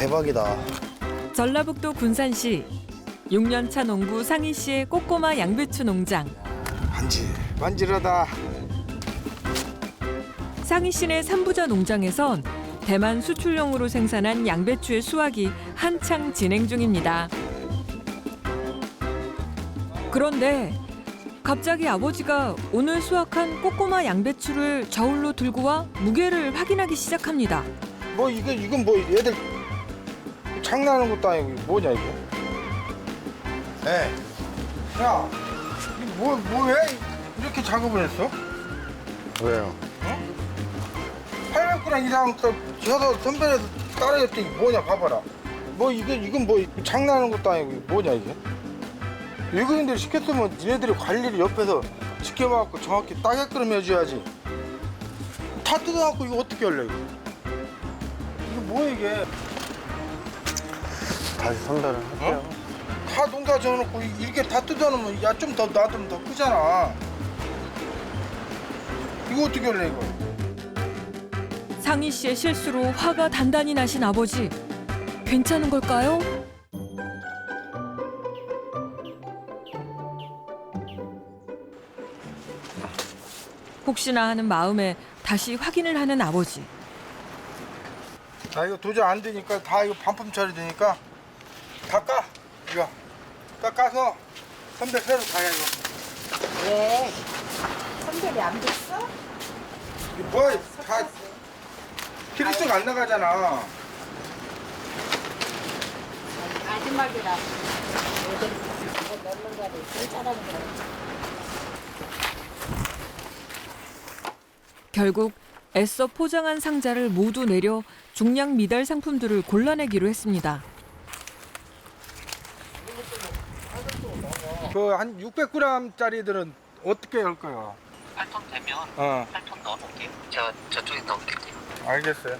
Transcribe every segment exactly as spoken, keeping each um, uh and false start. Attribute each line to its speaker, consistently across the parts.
Speaker 1: 대박이다.
Speaker 2: 전라북도 군산시 육 년 차 농부 상희 씨의 꼬꼬마 양배추 농장.
Speaker 3: 만질 만질하다.
Speaker 2: 상희 씨네 삼부자 농장에선 대만 수출용으로 생산한 양배추의 수확이 한창 진행 중입니다. 그런데 갑자기 아버지가 오늘 수확한 꼬꼬마 양배추를 저울로 들고 와 무게를 확인하기 시작합니다.
Speaker 3: 뭐 이거 이건 뭐 애들 장난하는 것도 아니고 뭐냐 이거? 에, 야, 이거 뭐 뭐해? 이렇게 작업을 했어?
Speaker 1: 왜요?
Speaker 3: 팔백 그램 이상 또 저도 선별해서 따라했더니 뭐냐 봐봐라. 뭐 이거 이건 뭐 장난하는 것도 아니고 뭐냐 이게? 외국인들이 시켰으면 얘네들이 관리를 옆에서 지켜봐갖고 정확히 따게끔 해줘야지. 다 뜯어갖고 이거 어떻게 할래 이거? 이게 뭐야 이게?
Speaker 1: 다시 선별을 할게요.
Speaker 3: 어? 다 농사 지어놓고 이렇게 다 뜯어놓으면 야 좀 더 놔두면 더 크잖아. 이거 어떻게 할래 이거?
Speaker 2: 상희 씨의 실수로 화가 단단히 나신 아버지. 괜찮은 걸까요? 혹시나 하는 마음에 다시 확인을 하는 아버지.
Speaker 3: 아 이거 도저히 안 되니까 다 이거 반품 처리 되니까 다 까. 이거 다 까서 선별 새로 가야 이거.
Speaker 4: 왜? 선별이 안 됐어?
Speaker 3: 이거 뭐야 다 키로수가 안 나가잖아.
Speaker 4: 마지막이라 애들 이거 넣는 거를 제일 잘하는 거야.
Speaker 2: 결국 애써 포장한 상자를 모두 내려 중량 미달 상품들을 골라내기로 했습니다.
Speaker 3: 그 한 육백 그램짜리들은 어떻게 할 거야?
Speaker 5: 팔 톤 되면
Speaker 3: 어,
Speaker 5: 팔 톤 넣어놓을게요. 제가 저쪽에 넣을게요.
Speaker 3: 알겠어요.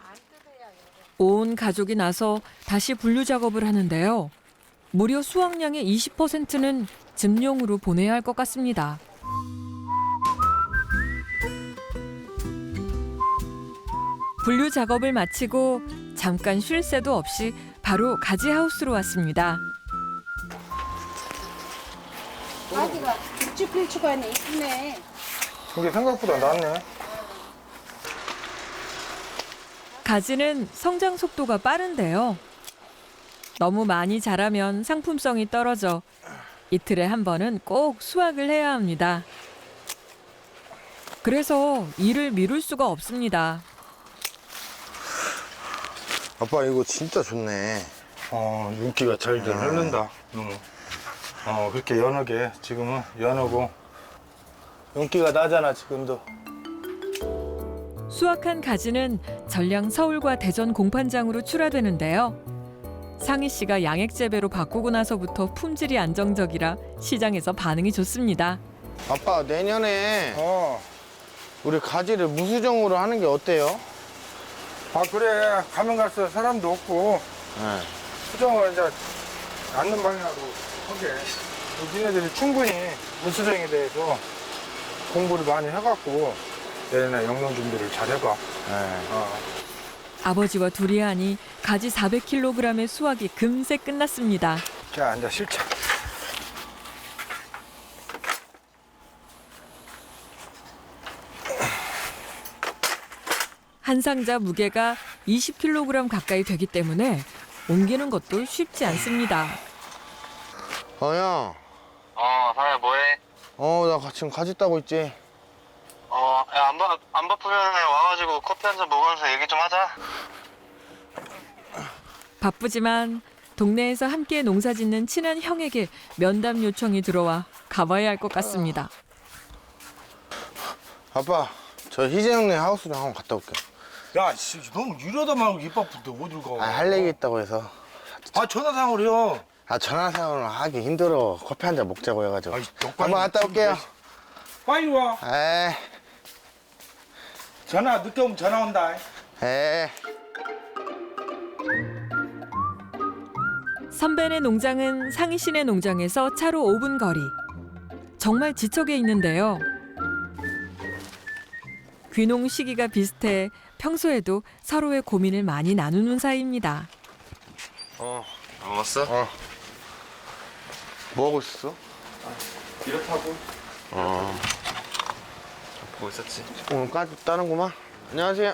Speaker 2: 온 가족이 나서 다시 분류 작업을 하는데요. 무려 수확량의 이십 퍼센트는 즙용으로 보내야 할 것 같습니다. 분류 작업을 마치고 잠깐 쉴 새도 없이 바로 가지 하우스로 왔습니다.
Speaker 4: 아기가 길쭉길쭉하네 이쁘네.
Speaker 3: 이게 생각보다 낫네.
Speaker 2: 가지는 성장 속도가 빠른데요. 너무 많이 자라면 상품성이 떨어져 이틀에 한 번은 꼭 수확을 해야 합니다. 그래서 일을 미룰 수가 없습니다.
Speaker 1: 아빠 이거 진짜 좋네.
Speaker 3: 어, 윤기가 잘잘 흐른다. 응. 어, 그렇게 연하게 지금은 연하고 윤기가 나잖아 지금도.
Speaker 2: 수확한 가지는 전량 서울과 대전 공판장으로 출하되는데요. 상희 씨가 양액 재배로 바꾸고 나서부터 품질이 안정적이라 시장에서 반응이 좋습니다.
Speaker 1: 아빠 내년에
Speaker 3: 어,
Speaker 1: 우리 가지를 무수정으로 하는 게 어때요?
Speaker 3: 아 그래 가면 갈수록 사람도 없고
Speaker 1: 네.
Speaker 3: 수정을 이제 않는 방향으로 하게. 니네들이 충분히 무수정에 대해서 공부를 많이 해갖고 내년에 영농 준비를 잘 해봐.
Speaker 1: 네.
Speaker 3: 어.
Speaker 2: 아버지와 둘이 하니 가지 사백 킬로그램의 수확이 금세 끝났습니다.
Speaker 3: 자, 앉아 실차.
Speaker 2: 한 상자 무게가 이십 킬로그램 가까이 되기 때문에 옮기는 것도 쉽지 않습니다.
Speaker 1: 어, 형.
Speaker 5: 어, 상아 뭐해?
Speaker 1: 어, 나 지금 가지 따고 있지.
Speaker 5: 어, 야, 안, 바, 안 바쁘면 와가지고 커피 한 잔 먹으면서 얘기 좀 하자.
Speaker 2: 바쁘지만 동네에서 함께 농사 짓는 친한 형에게 면담 요청이 들어와 가봐야 할 것 같습니다.
Speaker 1: 아빠, 저 희재 형네 하우스 좀 한번 갔다 올게요.
Speaker 3: 야, 씨, 너무 이러다 말고 입 바쁜데 어딜 가?
Speaker 1: 아, 할 얘기 있다고 해서.
Speaker 3: 아, 전화상으로요.
Speaker 1: 아, 전화 사용을 하기 힘들어. 커피 한 잔 먹자고 해가지고.
Speaker 3: 아이,
Speaker 1: 한번 갔다 올게요.
Speaker 3: 빨리 와.
Speaker 1: 에,
Speaker 3: 전화 늦게 오면 전화 온다.
Speaker 1: 에.
Speaker 2: 선배네 농장은 상희 씨네 농장에서 차로 오 분 거리. 정말 지척에 있는데요. 귀농 시기가 비슷해 평소에도 서로의 고민을 많이 나누는 사이입니다.
Speaker 1: 어.
Speaker 5: 안 먹었어?
Speaker 1: 어. 뭐 하고 있었어?
Speaker 5: 이렇다고
Speaker 1: 어.
Speaker 5: 보고 있었지.
Speaker 1: 오늘 까지 따는구만. 안녕하세요.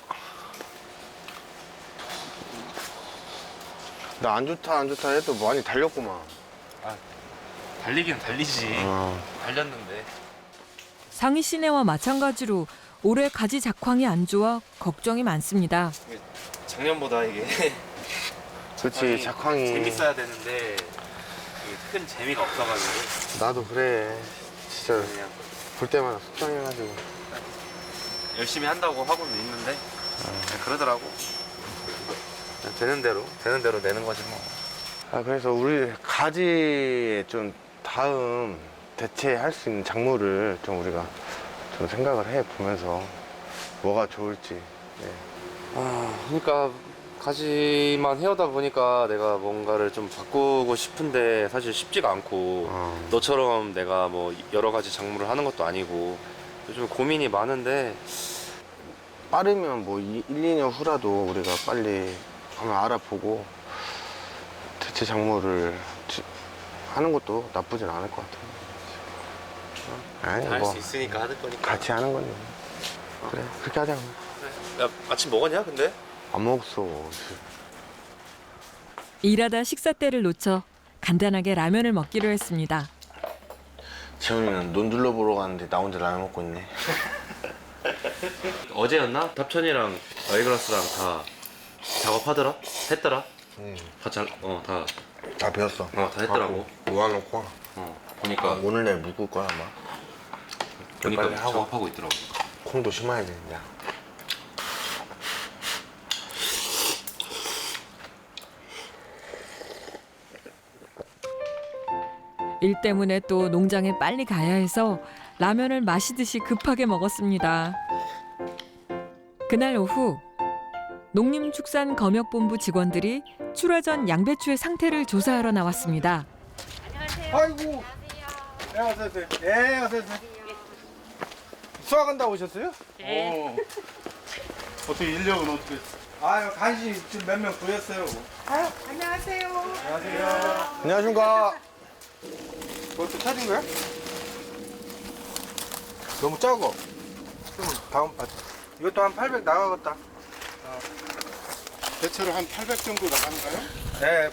Speaker 1: 나 안 좋다 안 좋다 해도 많이 달렸구만.
Speaker 5: 달리긴 달리지.
Speaker 1: 어.
Speaker 5: 달렸는데.
Speaker 2: 상희 씨네와 마찬가지로 올해 가지 작황이 안 좋아 걱정이 많습니다.
Speaker 5: 작년보다 이게
Speaker 1: 그렇지 작황이.
Speaker 5: 재밌어야 되는데 이게 큰 재미가 없어가지고
Speaker 1: 나도 그래. 진짜
Speaker 5: 그냥
Speaker 1: 볼 때마다 속상해가지고.
Speaker 5: 열심히 한다고 하고는 있는데 그냥 그러더라고. 그냥 되는 대로 되는 대로 내는 거지 뭐.
Speaker 1: 아 그래서 우리 가지에 좀 다음 대체할 수 있는 작물을 좀 우리가 좀 생각을 해 보면서 뭐가 좋을지. 네.
Speaker 6: 아, 그러니까 가지만 해오다 보니까 내가 뭔가를 좀 바꾸고 싶은데 사실 쉽지가 않고
Speaker 1: 어.
Speaker 6: 너처럼 내가 뭐 여러 가지 작물을 하는 것도 아니고 요즘 고민이 많은데
Speaker 1: 빠르면 뭐 일, 이 년 후라도 우리가 빨리 한번 알아보고 대체 작물을 지- 하는 것도 나쁘진 않을 것 같아요. 아니
Speaker 5: 할
Speaker 1: 뭐
Speaker 5: 수 있으니까 하는 거니까.
Speaker 1: 같이 하는 거니. 그래 그렇게 하자.
Speaker 6: 야, 아침 먹었냐 근데?
Speaker 1: 안 먹었어.
Speaker 2: 일하다 식사 때를 놓쳐 간단하게 라면을 먹기로 했습니다.
Speaker 1: 재훈이는 논둘러 보러 갔는데 나 혼자 라면 먹고 있네.
Speaker 6: 어제였나? 답천이랑 아이글라스랑 다 작업하더라? 했더라?
Speaker 1: 응.
Speaker 6: 다 잘, 어, 다,
Speaker 1: 다 배웠어.
Speaker 6: 어, 다 했더라고.
Speaker 1: 모아놓고
Speaker 6: 어, 보니까,
Speaker 1: 오늘 내일 묶을 거야 아마.
Speaker 6: 보니까
Speaker 1: 빨리 하고.
Speaker 6: 작업하고 있더라고.
Speaker 1: 콩도 심어야 되는데.
Speaker 2: 일 때문에 또 농장에 빨리 가야 해서 라면을 마시듯이 급하게 먹었습니다. 그날 오후 농림축산검역본부 직원들이 출하 전 양배추의 상태를 조사하러 나왔습니다.
Speaker 3: 아이고. 네, 어서오세요. 네, 어서오세요. 수학한다 오셨어요?
Speaker 7: 어. 어떻게 인력은 어떻게?
Speaker 3: 아유, 간신히 지금 몇 명 구했어요.
Speaker 4: 아유, 안녕하세요.
Speaker 3: 안녕하세요.
Speaker 1: 안녕하십니까.
Speaker 3: 그것도 찾은 거야? 너무 작어. 좀 다음 아, 이것도 한 팔백 나가겠다.
Speaker 7: 대체로 한 팔백 정도 나가는가요?
Speaker 3: 네.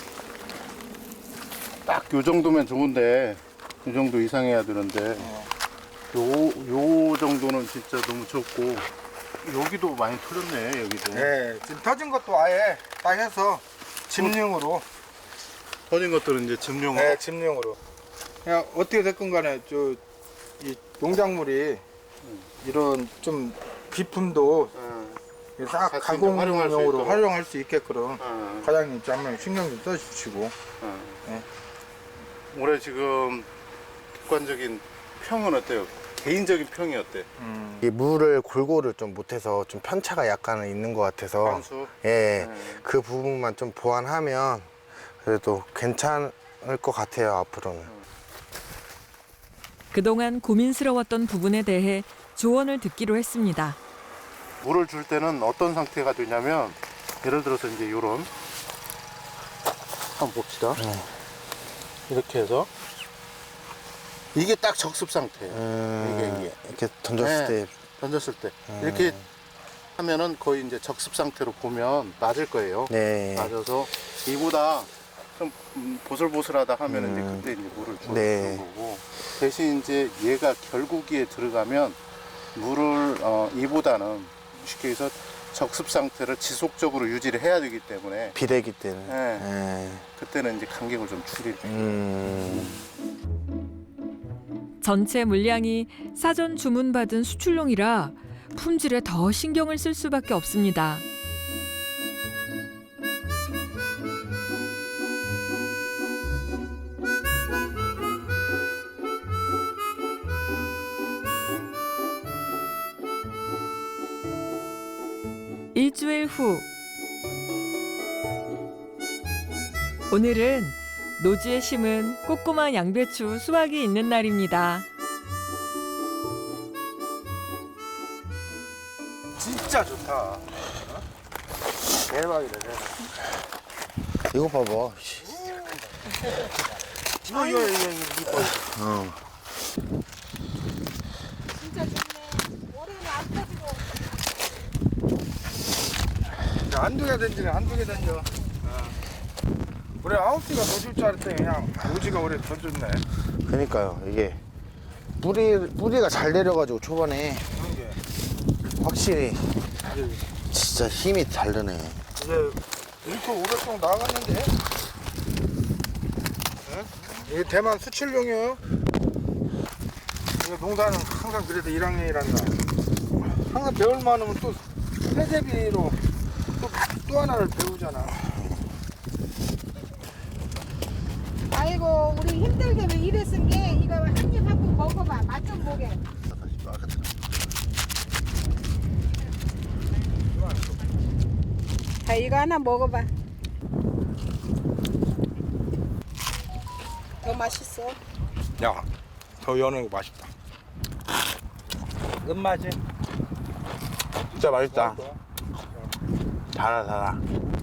Speaker 7: 딱 요 정도면 좋은데 요 정도 이상해야 되는데 요, 요 정도는 진짜 너무 적고 여기도 많이 틀렸네 여기도.
Speaker 3: 네. 지금 터진 것도 아예 딱 해서 집용으로.
Speaker 7: 터진 것들은 이제 집용으로.
Speaker 3: 네, 집용으로. 그냥 어떻게 됐건 간에 저 이 농작물이 이런 좀 비품도
Speaker 7: 어,
Speaker 3: 싹
Speaker 7: 같이 이제 활용할 수
Speaker 3: 가공용으로
Speaker 7: 있도록.
Speaker 3: 활용할 수 있게끔
Speaker 7: 어,
Speaker 3: 과장님 좀 한번 신경 좀 써주시고.
Speaker 7: 어.
Speaker 3: 네.
Speaker 7: 올해 지금 객관적인 평은 어때요? 개인적인 평이 어때?
Speaker 3: 음.
Speaker 1: 이 물을 골고루 좀 못해서 좀 편차가 약간은 있는 것 같아서
Speaker 7: 관수?
Speaker 1: 예,
Speaker 7: 네.
Speaker 1: 그 부분만 좀 보완하면 그래도 괜찮을 것 같아요 앞으로는.
Speaker 2: 그동안 고민스러웠던 부분에 대해 조언을 듣기로 했습니다.
Speaker 7: 물을 줄 때는 어떤 상태가 되냐면 예를 들어서 이제 요런 한번 봅시다. 이렇게 해서 이게 딱 적습 상태예요.
Speaker 1: 음,
Speaker 7: 이게, 이게.
Speaker 1: 이렇게 던졌을
Speaker 7: 네.
Speaker 1: 때
Speaker 7: 던졌을 때
Speaker 1: 음.
Speaker 7: 이렇게 하면은 거의 이제 적습 상태로 보면 맞을 거예요.
Speaker 1: 네.
Speaker 7: 맞아서 이보다 좀 음, 보슬보슬하다 하면
Speaker 1: 음.
Speaker 7: 이제 그때 이제 물을 주는
Speaker 1: 네.
Speaker 7: 거고 대신 이제 얘가 결국기에 들어가면 물을 어, 이보다는 쉽게 해서 적습 상태를 지속적으로 유지를 해야 되기 때문에
Speaker 1: 비대기 때는.
Speaker 7: 네.
Speaker 1: 예.
Speaker 7: 그때는 이제 간격을 좀 줄이고
Speaker 1: 음.
Speaker 2: 전체 물량이 사전 주문받은 수출용이라 품질에 더 신경을 쓸 수밖에 없습니다. 일주일 후 오늘은 노지에 심은 꼬꼬마 양배추 수확이 있는 날입니다.
Speaker 3: 진짜 좋다. 어? 대박이다, 대박.
Speaker 1: 이거 봐봐. 씨.
Speaker 3: 이거 이거 이거 이거.
Speaker 1: 어.
Speaker 4: 진짜 좋네. 올해는 안 터지고.
Speaker 3: 한두 개 던지네 한두 개 던져. 우리 아홉 개가 더 줄 줄 알았더니 그냥 오지가 올해 더 줬네.
Speaker 1: 그러니까요. 이게 뿌리 뿌리가 잘 내려가지고 초반에
Speaker 3: 그런 게.
Speaker 1: 확실히
Speaker 3: 이제,
Speaker 1: 진짜 힘이 다르네.
Speaker 3: 이제 일 톤 오백 통 나갔는데. 응? 이게 대만 수출용이에요. 이거 농사는 항상 그래도 일 학년이란다. 항상 배울 만하면 또 세대비로 또, 또 하나를 배우잖아.
Speaker 4: 아이고 우리 힘들게 왜 이래 쓴 게 이거 한 입 하고 먹어봐. 맛 좀 보게. 자 이거 하나 먹어봐. 더 맛있어.
Speaker 3: 야, 더 여는 거 맛있다. 끝맛이?
Speaker 1: 진짜 맛있다. 달아 달아.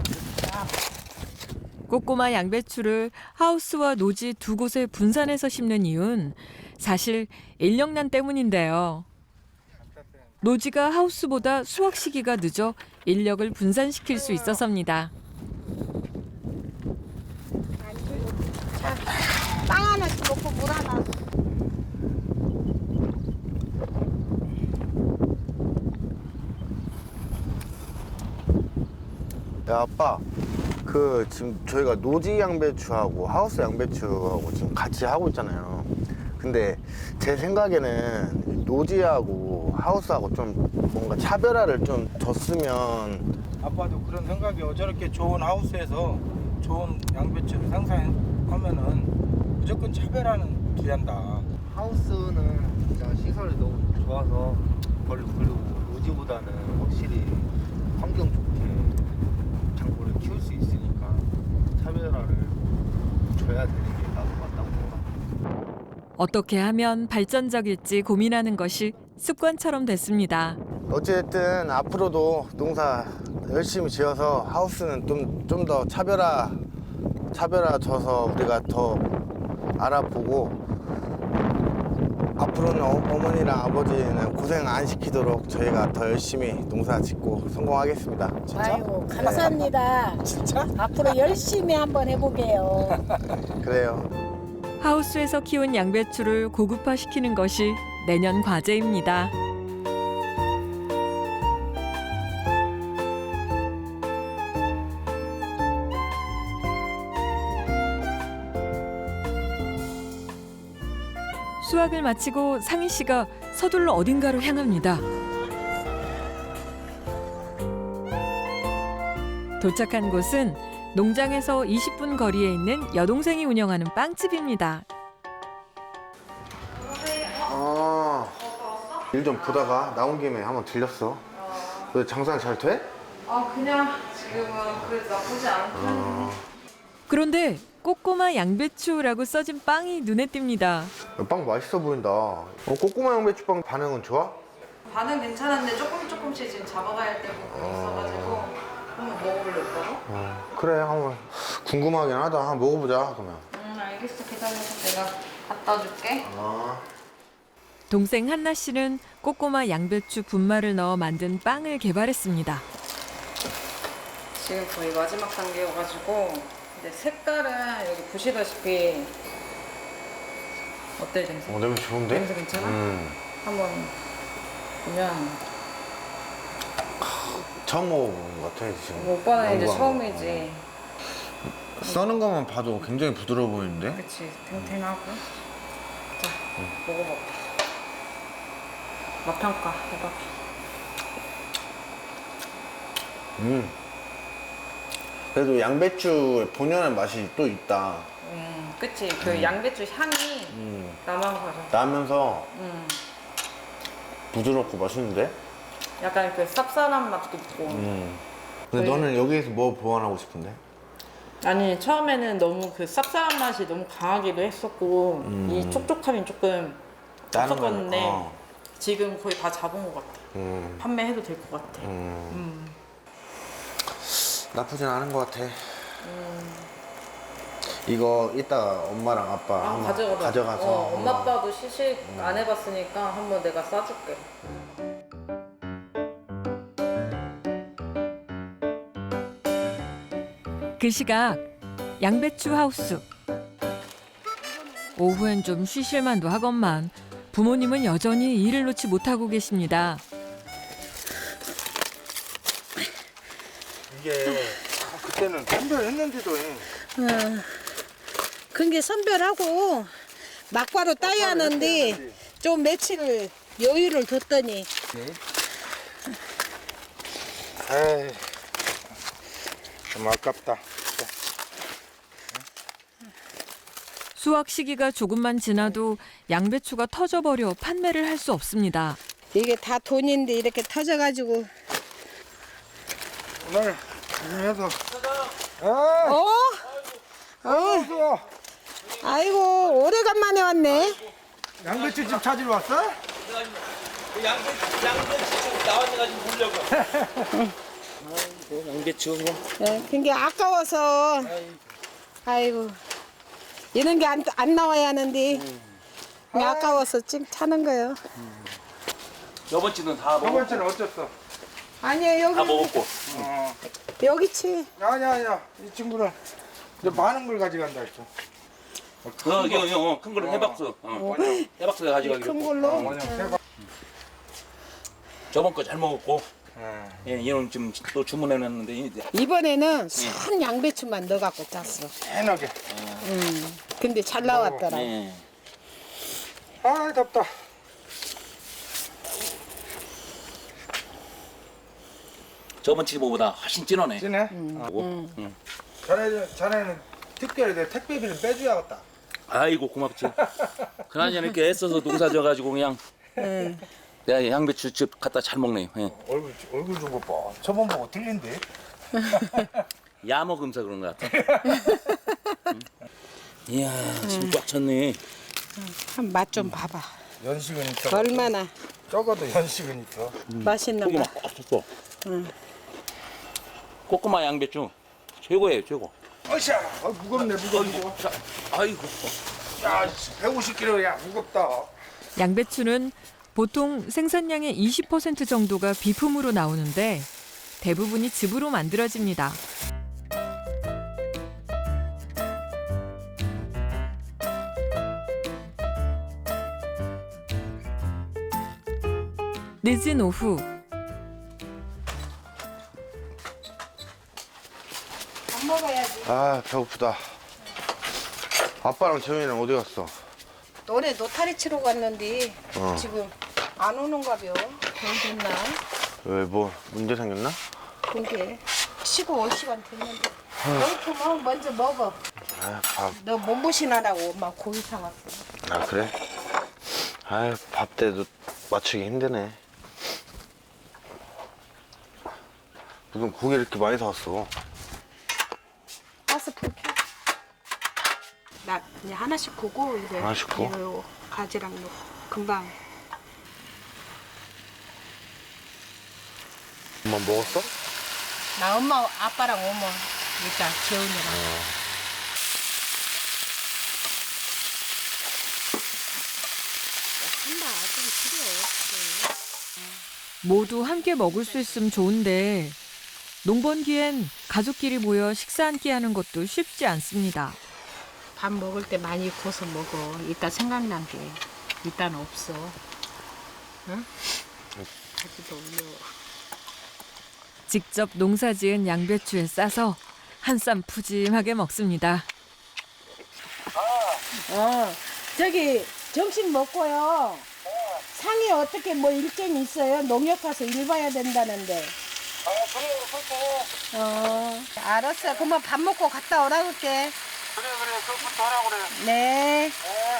Speaker 2: 꼬꼬마 양배추를 하우스와 노지 두 곳에 분산해서 심는 이유는 사실 인력난 때문인데요. 노지가 하우스보다 수확 시기가 늦어 인력을 분산시킬 수 있어서입니다.
Speaker 4: 빵 하나씩 먹고 물 하나.
Speaker 1: 야 아빠, 그 지금 저희가 노지 양배추하고 하우스 양배추하고 지금 같이 하고 있잖아요. 근데 제 생각에는 노지하고 하우스하고 좀 뭔가 차별화를 좀 줬으면.
Speaker 3: 아빠도 그런 생각이요. 저렇게 좋은 하우스에서 좋은 양배추를 생산하면은 무조건 차별화는 기한다.
Speaker 6: 하우스는 진짜 시설이 너무 좋아서 그리고 그리고 노지보다는 확실히 환경 좋게 작물을 키울 수 있으니까 차별화를 줘야 되는 게 나도 맞다고 생각합니다.
Speaker 2: 어떻게 하면 발전적일지 고민하는 것이 습관처럼 됐습니다.
Speaker 1: 어쨌든 앞으로도 농사 열심히 지어서 하우스는 좀 좀 더 차별화 차별화 줘서 우리가 더 알아보고, 앞으로는 어, 어머니랑 아버지는 고생 안 시키도록 저희가 더 열심히 농사 짓고 성공하겠습니다.
Speaker 4: 아이고 감사합니다.
Speaker 3: 진짜?
Speaker 4: 앞으로 열심히 한번 해보게요.
Speaker 1: 그래요.
Speaker 2: 하우스에서 키운 양배추를 고급화시키는 것이 내년 과제입니다. 수확을 마치고 상희 씨가 서둘러 어딘가로 향합니다. 도착한 곳은 농장에서 이십 분 거리에 있는 여동생이 운영하는 빵집입니다.
Speaker 1: 아, 일 좀 보다가 나온 김에 한번 들렸어. 왜 장사 잘 돼?
Speaker 8: 아 그냥 지금은 그래도 나쁘지 않고.
Speaker 1: 어,
Speaker 2: 그런데 꼬꼬마 양배추라고 써진 빵이 눈에 띕니다.
Speaker 1: 빵 맛있어 보인다. 어, 꼬꼬마 양배추빵 반응은 좋아?
Speaker 8: 반은 괜찮은데 조금 조금씩 지금 잡아가야 할 때가 있어가지고 한번 먹어볼래 오빠가?
Speaker 1: 어, 그래, 한번 궁금하긴 하다. 한번 먹어보자 그러면.
Speaker 8: 응 알겠어 기다려서 내가 갖다 줄게.
Speaker 1: 아,
Speaker 2: 동생 한나 씨는 꼬꼬마 양배추 분말을 넣어 만든 빵을 개발했습니다.
Speaker 8: 지금 거의 마지막 단계여가지고 근데 색깔은 여기 보시다시피 어때 냄새?
Speaker 1: 어, 냄새 좋은데?
Speaker 8: 냄새 괜찮아?
Speaker 1: 음,
Speaker 8: 한번 보면
Speaker 1: 처음 먹어보는 것 같아 지금.
Speaker 8: 뭐 오빠는 이제
Speaker 1: 연구한
Speaker 8: 처음이지.
Speaker 1: 거. 써는 것만 봐도 굉장히 부드러워 보이는데?
Speaker 8: 그치 탱탱하고. 자 먹어봐. 맛 평가 해봐.
Speaker 1: 음. 그래도 양배추 본연의 맛이 또 있다.
Speaker 8: 음, 그치. 그 양배추 향이
Speaker 1: 음.
Speaker 8: 나면서
Speaker 1: 나면서
Speaker 8: 음,
Speaker 1: 부드럽고 맛있는데?
Speaker 8: 약간 그 쌉쌀한 맛도 있고.
Speaker 1: 음. 근데
Speaker 8: 저희-
Speaker 1: 너는 여기에서 뭐 보완하고 싶은데?
Speaker 8: 아니 처음에는 너무 그 쌉쌀한 맛이 너무 강하기도 했었고
Speaker 1: 음.
Speaker 8: 이 촉촉함이 조금
Speaker 1: 다른
Speaker 8: 없었었는데
Speaker 1: 거는- 어.
Speaker 8: 지금 거의 다 잡은 것 같아.
Speaker 1: 음.
Speaker 8: 판매해도 될 것 같아.
Speaker 1: 음.
Speaker 8: 음.
Speaker 1: 나쁘진 않은 것 같아. 이거 이따 엄마랑 아빠
Speaker 8: 아,
Speaker 1: 한번
Speaker 8: 가져가.
Speaker 1: 가져가서
Speaker 8: 어, 엄마
Speaker 1: 한번-
Speaker 8: 아빠도 시식 안 해봤으니까 한번 내가 싸줄게.
Speaker 2: 그 시각 양배추 하우스. 오후엔 좀 쉬실만도 하건만 부모님은 여전히 일을 놓지 못하고 계십니다.
Speaker 3: 이게 그때는 선별했는데도
Speaker 4: 그게 선별하고 막바로 따야 하는데 좀 며칠 여유를 뒀더니
Speaker 3: 에이 좀 아깝다.
Speaker 2: 수확 시기가 조금만 지나도 양배추가 터져버려 판매를 할 수 없습니다.
Speaker 4: 이게 다 돈인데 이렇게 터져가지고
Speaker 3: 오늘 해서 아,
Speaker 4: 어? 어?
Speaker 3: 좋아.
Speaker 4: 아이고 오래간만에 왔네.
Speaker 3: 양배추 집 찾으러 왔어?
Speaker 5: 양배추
Speaker 4: 네, 그게 아까워서 아이고 이런 게 안 안 나와야 하는데 그게 아까워서 찡 차는 거예요.
Speaker 5: 저번 주는 다
Speaker 3: 저번
Speaker 5: 먹었고
Speaker 3: 주는 어땠어?
Speaker 4: 아니에요
Speaker 5: 다
Speaker 4: 여기
Speaker 5: 먹었고
Speaker 3: 어.
Speaker 4: 여기치.
Speaker 3: 아니야 아니야 이 친구는 이제 많은 걸 가져간다 했어.
Speaker 5: 어, 이거 이거 큰 거는 해박수 어. 해박수 가져가기로
Speaker 4: 큰
Speaker 5: 했고.
Speaker 4: 걸로.
Speaker 3: 원형 세박.
Speaker 5: 저번 거 잘 먹었고
Speaker 3: 어.
Speaker 5: 예, 이런 지금 또 주문해놨는데 이제
Speaker 4: 이번에는 순 양배추만 넣어갖고 짰어.
Speaker 3: 해나게.
Speaker 4: 음. 근데 잘 나왔더라.
Speaker 5: 예.
Speaker 3: 아 덥다.
Speaker 5: 저번 주보다 훨씬 진하네.
Speaker 3: 진해?
Speaker 5: 음. 음.
Speaker 3: 자네 자네는 특별히 내 택배비를 빼줘야겠다.
Speaker 5: 아이고 고맙지. 그나저나 이렇게 애써서 농사 져가지고 그냥
Speaker 4: 응.
Speaker 5: 내가 양배추즙 갖다 잘 먹네요. 예.
Speaker 3: 얼굴 얼굴 좀 봐. 저번 보고 틀린데.
Speaker 5: 야 먹으면서 그런 것 같아. 음. 이야 지금 꽉 찼네.
Speaker 4: 한 맛 좀 봐봐.
Speaker 3: 연식은 있어.
Speaker 4: 얼마나
Speaker 3: 적어도 연식은 있어.
Speaker 4: 맛있는
Speaker 5: 속이
Speaker 4: 거.
Speaker 5: 막꽉 찼어.
Speaker 4: 응.
Speaker 5: 꼬꼬마 양배추 최고예요 최고.
Speaker 3: 어샤, 아, 무겁네 무거워.
Speaker 5: 자, 아이고.
Speaker 3: 야, 백오십 킬로야 무겁다.
Speaker 2: 양배추는 보통 생산량의 이십 퍼센트 정도가 비품으로 나오는데 대부분이 즙으로 만들어집니다. 늦은 오후
Speaker 4: 밥 먹어야지.
Speaker 1: 아 배고프다. 아빠랑 재훈이랑 어디 갔어?
Speaker 4: 노래 노타리 치러 갔는데
Speaker 1: 어.
Speaker 4: 지금 안 오는가벼. 돈 됐나?
Speaker 1: 왜 뭐 문제 생겼나?
Speaker 4: 그게 쉬고 올 시간 됐는데. 배고프면 먼저 먹어.
Speaker 1: 아 밥.
Speaker 4: 너 몸보신하라고 엄마 고기 사왔어.
Speaker 1: 아 그래? 아 밥 때도 맞추기 힘드네. 무슨 고기 이렇게 많이 사왔어?
Speaker 4: 가스 불 켜. 나 그냥 하나씩 구고 이제
Speaker 1: 하나씩 구워?
Speaker 4: 이거 가지랑 넣고 금방.
Speaker 1: 엄마 먹었어?
Speaker 4: 나 엄마 아빠랑 오면 일단 재훈이랑. 한다 좀 필요해.
Speaker 2: 모두 함께 먹을 수 있으면 좋은데 농번기엔 가족끼리 모여 식사 한 끼 하는 것도 쉽지 않습니다.
Speaker 4: 밥 먹을 때 많이 구워서 먹어. 이따 생각난 게 일단 없어. 응? 가지도 올려.
Speaker 2: 직접 농사지은 양배추에 싸서 한 쌈 푸짐하게 먹습니다.
Speaker 4: 어, 저기 점심 먹고요. 상이 어떻게 뭐 일정이 있어요? 농협 가서 일 봐야 된다는데. 어, 알았어. 그러면 밥 먹고 갔다 오라 그럴게.
Speaker 3: 그래 그래 그것부터 하라 그래.
Speaker 4: 네.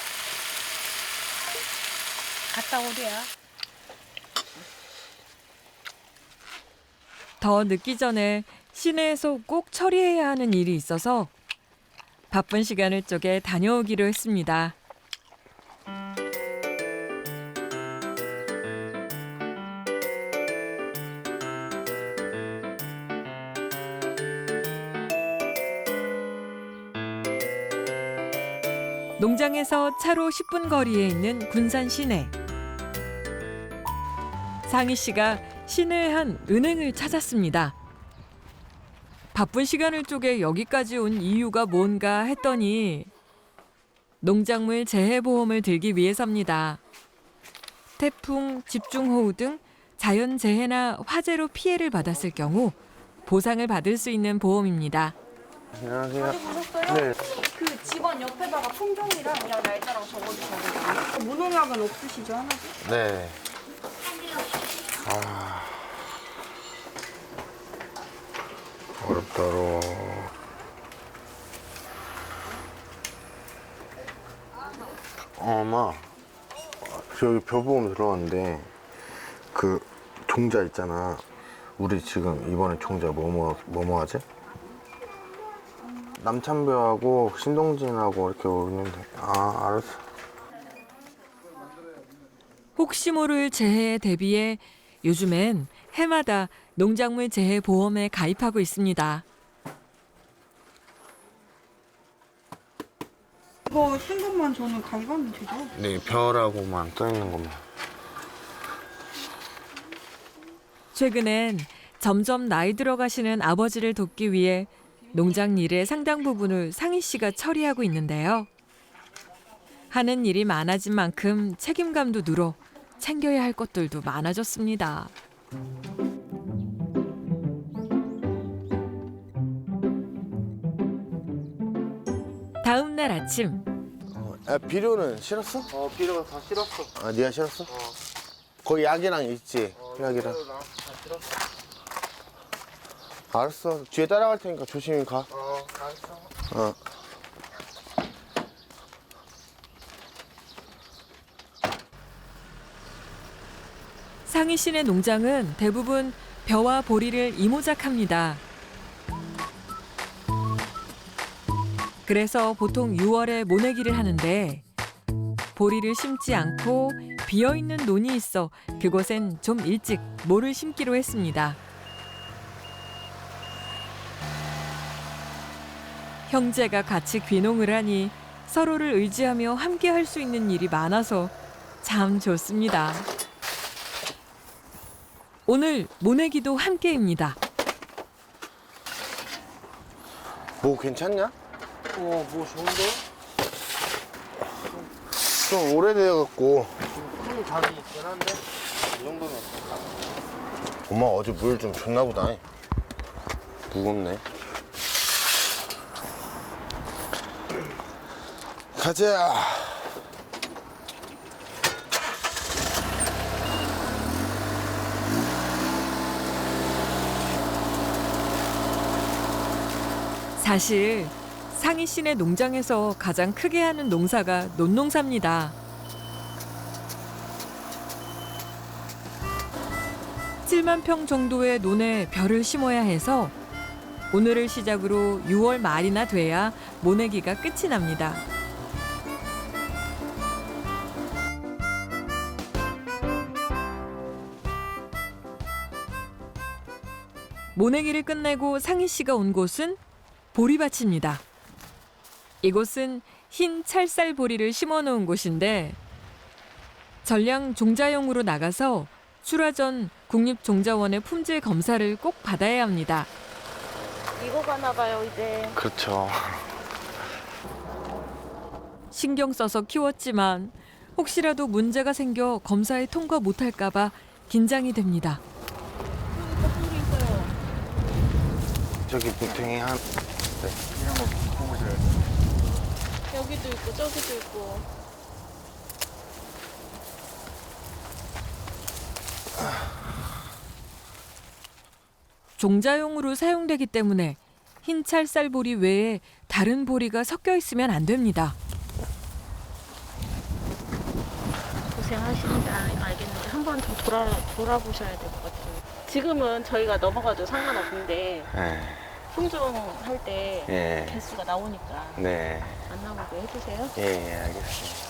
Speaker 4: 갔다 오랴.
Speaker 2: 더 늦기 전에 시내에서 꼭 처리해야 하는 일이 있어서 바쁜 시간을 쪼개 다녀오기로 했습니다. 농장에서 차로 십 분 거리에 있는 군산 시내. 상희 씨가 시내의 한 은행을 찾았습니다. 바쁜 시간을 쪼개 여기까지 온 이유가 뭔가 했더니 농작물 재해보험을 들기 위해서입니다. 태풍, 집중호우 등 자연재해나 화재로 피해를 받았을 경우 보상을 받을 수 있는 보험입니다.
Speaker 1: 안녕하세요.
Speaker 8: 어디 보셨어요?
Speaker 1: 네.
Speaker 8: 그 집안 옆에다가 품종이랑 그냥 날짜랑 적어주셔야 돼요. 무농약은 없으시죠 하나도?
Speaker 1: 네. 아. 어렵다, 어려워. 어, 엄마. 저기 벼보험 들어왔는데, 그, 종자 있잖아. 우리 지금 이번에 종자 뭐뭐, 뭐뭐 하지? 남찬벼하고 신동진하고 이렇게 오는데. 아, 알았어.
Speaker 2: 혹시 모를 재해에 대비해 요즘엔 해마다 농작물 재해 보험에 가입하고 있습니다.
Speaker 8: 이거 쓴 것만 저는 가입하면 되죠?
Speaker 1: 네, 별하고만 떠있는 것만.
Speaker 2: 최근엔 점점 나이 들어가시는 아버지를 돕기 위해 농장 일의 상당 부분을 상희 씨가 처리하고 있는데요. 하는 일이 많아진 만큼 책임감도 늘어 챙겨야 할 것들도 많아졌습니다. 다음 날 아침
Speaker 1: 어, 야, 비료는 실었어?
Speaker 6: 어 비료가 다 실었어.
Speaker 1: 아, 네가 실었어? 거기 약이랑 있지? 약이랑.
Speaker 6: 비료랑 다 실었어.
Speaker 1: 알았어. 뒤에 따라갈 테니까 조심히 가.
Speaker 6: 어 알았어.
Speaker 1: 어.
Speaker 2: 상희 씨네 농장은 대부분 벼와 보리를 이모작합니다. 그래서 보통 유월에 모내기를 하는데 보리를 심지 않고 비어있는 논이 있어 그곳엔 좀 일찍 모를 심기로 했습니다. 형제가 같이 귀농을 하니 서로를 의지하며 함께 할 수 있는 일이 많아서 참 좋습니다. 오늘 모내기도 함께입니다.
Speaker 1: 뭐 괜찮냐?
Speaker 6: 어뭐 좋은데?
Speaker 1: 좀 오래돼갖고.
Speaker 6: 큰 장이 있긴 한데 이 정도면.
Speaker 1: 엄마 어제 물 좀 줬나 보다. 무겁네. 가자.
Speaker 2: 사실 상희 씨네 농장에서 가장 크게 하는 농사가 논농사입니다. 칠만 평 정도의 논에 벼를 심어야 해서 오늘을 시작으로 유월 말이나 돼야 모내기가 끝이 납니다. 모내기를 끝내고 상희 씨가 온 곳은 보리밭입니다. 이곳은 흰 찰쌀 보리를 심어 놓은 곳인데 전량 종자용으로 나가서 출하 전 국립종자원의 품질 검사를 꼭 받아야 합니다.
Speaker 8: 이거 가나 봐요 이제.
Speaker 1: 그렇죠.
Speaker 2: 신경 써서 키웠지만 혹시라도 문제가 생겨 검사에 통과 못할까 봐 긴장이 됩니다.
Speaker 1: 저기 무탱이 한.
Speaker 6: 이런 거 보셔야
Speaker 8: 여기도 있고 저기도 있고.
Speaker 2: 종자용으로 사용되기 때문에 흰 찰쌀 보리 외에 다른 보리가 섞여 있으면 안 됩니다.
Speaker 9: 고생하신다 알겠는데 한 번 더 돌아, 돌아보셔야 될 것 같아요. 지금은 저희가 넘어가도 상관없는데
Speaker 1: 네.
Speaker 9: 품종 할 때
Speaker 1: 예.
Speaker 9: 개수가 나오니까
Speaker 1: 네.
Speaker 9: 안 나오게 해주세요.
Speaker 1: 예, 예, 알겠습니다.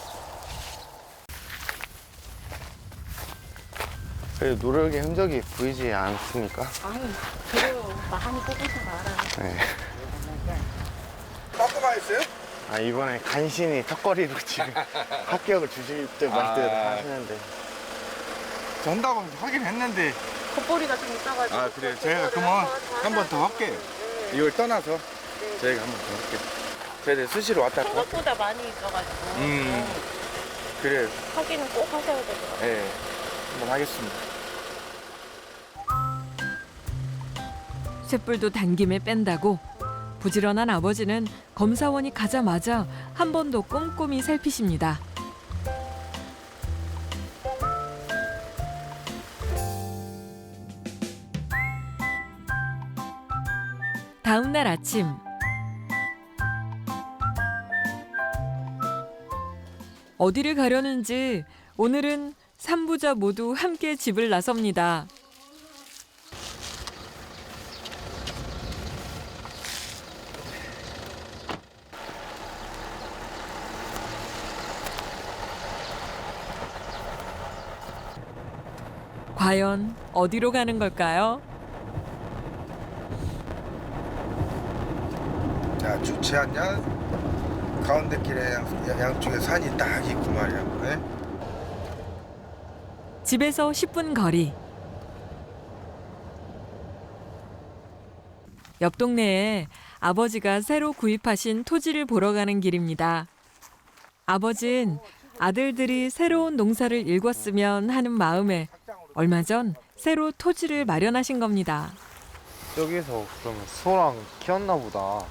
Speaker 1: 그래도 노력의 흔적이 보이지 않습니까?
Speaker 9: 아니 그래요 많이 뽑으셔서 알아요.
Speaker 1: 네.
Speaker 3: 깎아가 있어요?
Speaker 1: 아 이번에 간신히 턱걸이로 지금 합격을 주실 때 말때
Speaker 3: 아.
Speaker 1: 하시는데.
Speaker 3: 전다고 하긴 했는데.
Speaker 9: 겉보리가 좀 있어가지고.
Speaker 3: 아 그래요. 저희가 그러면 한 번 더 할게요. 이걸 떠나서 저희가 한 번 더 할게요. 저희들 수시로 왔다 갔다.
Speaker 9: 생각보다 많이 있어가지고.
Speaker 3: 음. 그래.
Speaker 9: 확인은 꼭 하셔야 되더라고요.
Speaker 3: 네. 한번 하겠습니다.
Speaker 2: 쇳불도 단김에 뺀다고 부지런한 아버지는 검사원이 가자마자 한 번 더 꼼꼼히 살피십니다. 다음 날 아침 어디를 가려는지 오늘은 삼부자 모두 함께 집을 나섭니다. 과연 어디로 가는 걸까요?
Speaker 3: 야 좋지 않냐? 가운데 길에 양, 양쪽에 산이 딱 있고 말이야. 네?
Speaker 2: 집에서 십 분 거리. 옆 동네에 아버지가 새로 구입하신 토지를 보러 가는 길입니다. 아버진 아들들이 새로운 농사를 일궜으면 하는 마음에 얼마 전 새로 토지를 마련하신 겁니다.
Speaker 6: 여기서 그러면 소랑 키웠나 보다.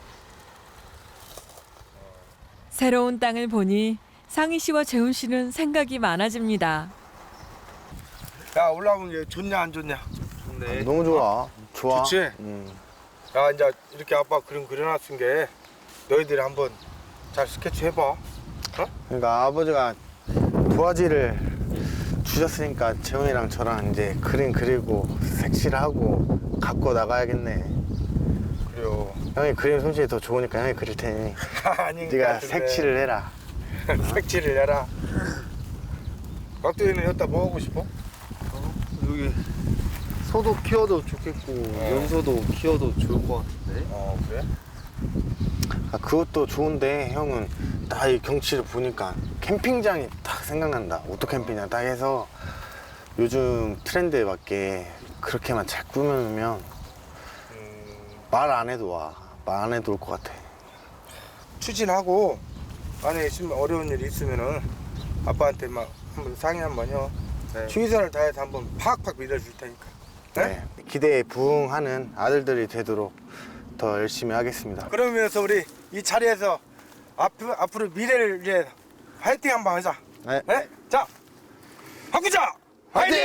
Speaker 2: 새로운 땅을 보니 상희 씨와 재훈 씨는 생각이 많아집니다.
Speaker 3: 야 올라오면 이게 좋냐 안 좋냐?
Speaker 6: 근데
Speaker 1: 너무 좋아. 좋아.
Speaker 3: 좋지?
Speaker 1: 음.
Speaker 3: 야 이제 이렇게 아빠 그림 그려놨은 게 너희들이 한번 잘 스케치 해봐.
Speaker 1: 그러니까 아버지가 도화지를 주셨으니까 재훈이랑 저랑 이제 그림 그리고 색칠하고 갖고 나가야겠네.
Speaker 3: 그래요.
Speaker 1: 형이 그림 솜씨가 더 좋으니까 형이 그릴 테니
Speaker 3: 아닌 것
Speaker 1: 네가
Speaker 3: 같은데.
Speaker 1: 색칠을 해라.
Speaker 3: 색칠을 해라. 각도이는 여기다 뭐 하고 싶어?
Speaker 6: 여기 소도 키워도 좋겠고 염소도 키워도 좋을 것 같은데.
Speaker 3: 어 그래?
Speaker 1: 아, 그것도 좋은데 형은 딱 이 경치를 보니까 캠핑장이 딱 생각난다. 오토 캠핑장 딱 해서 요즘 트렌드에 맞게 그렇게만 잘 꾸며놓으면
Speaker 3: 음,
Speaker 1: 말 안 해도 와. 말 안 해도 올 것 같아.
Speaker 3: 추진하고 안에 있으면 어려운 일이 있으면은 아빠한테 막 한번 상의 한번 해.
Speaker 6: 네.
Speaker 3: 최선을 다해서 한번 팍팍 밀어줄 테니까. 네?
Speaker 1: 네. 기대에 부응하는 아들들이 되도록 더 열심히 하겠습니다.
Speaker 3: 그러면서 우리 이 자리에서 앞으로, 앞으로 미래를 위해 화이팅 한번 하자.
Speaker 1: 네.
Speaker 3: 네? 자, 바꾸자! 화이팅!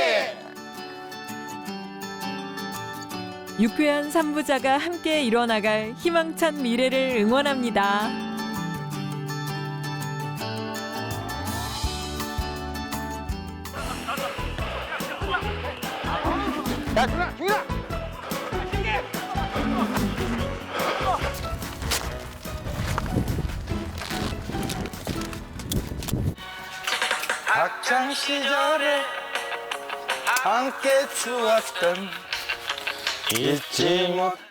Speaker 2: 유쾌한 삼부자가 함께 이뤄나갈 희망찬 미래를 응원합니다.
Speaker 3: 야, 중아, 중아! 학창 시절에 함께 추웠던
Speaker 1: 잊지 못